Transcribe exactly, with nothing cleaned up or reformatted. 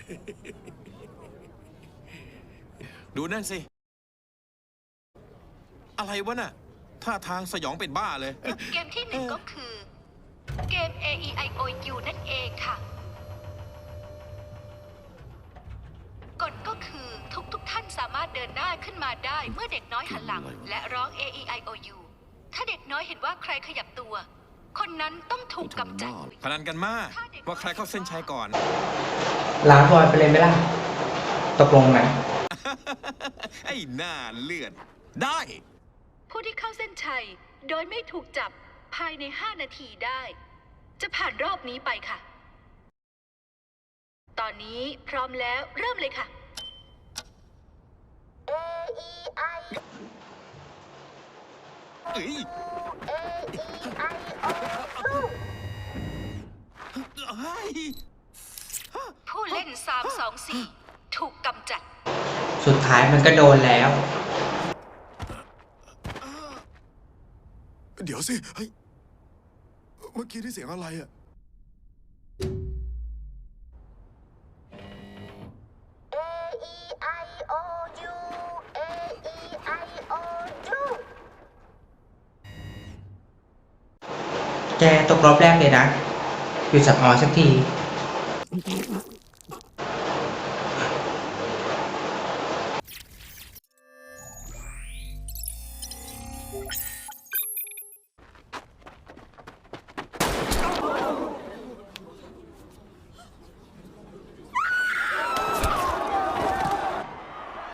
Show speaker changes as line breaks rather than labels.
ดูนั่นสิอะไรวะน่ะท่าทางสยองเป็นบ้าเลย
เกมที่หนึ่งก็คือเกม เอ อี ไอ โอ ยู นั่นเองค่ะกฎก็คือทุกทุกท่านสามารถเดินหน้าขึ้นมาได้เมื่อเด็กน้อยหันหลังและร้อง เอ อี ไอ โอ ยู ถ้าเด็กน้อยเห็นว่าใครขยับตัวคนนั้นต้องถูกกำจัด
พนันกันมากว่าใครเข้าเส้นชัยก่อน
ลาบอยไปเลยไหมล่ะตกลงไหม
ไอ้หน้าเลือดได้
ผู้ที่เข้าเส้นชัยโดยไม่ถูกจับภายในห้านาทีได้จะผ่านรอบนี้ไปค่ะตอนนี้พร้อมแล้วเริ่มเลยค่ะ
A E I
เอ้ย
A E I O U
ผู้เล่นสาม สอง สี่ถูกกำจัด
สุดท้ายมันก็โดนแล้ว
เดี๋ยวสิเฮ้ยเมื่อกี้ที่เสียงอะไรอะ
A E I O U A E I O U
แกตกรอบแรกเลยนะหยุดสับออสักที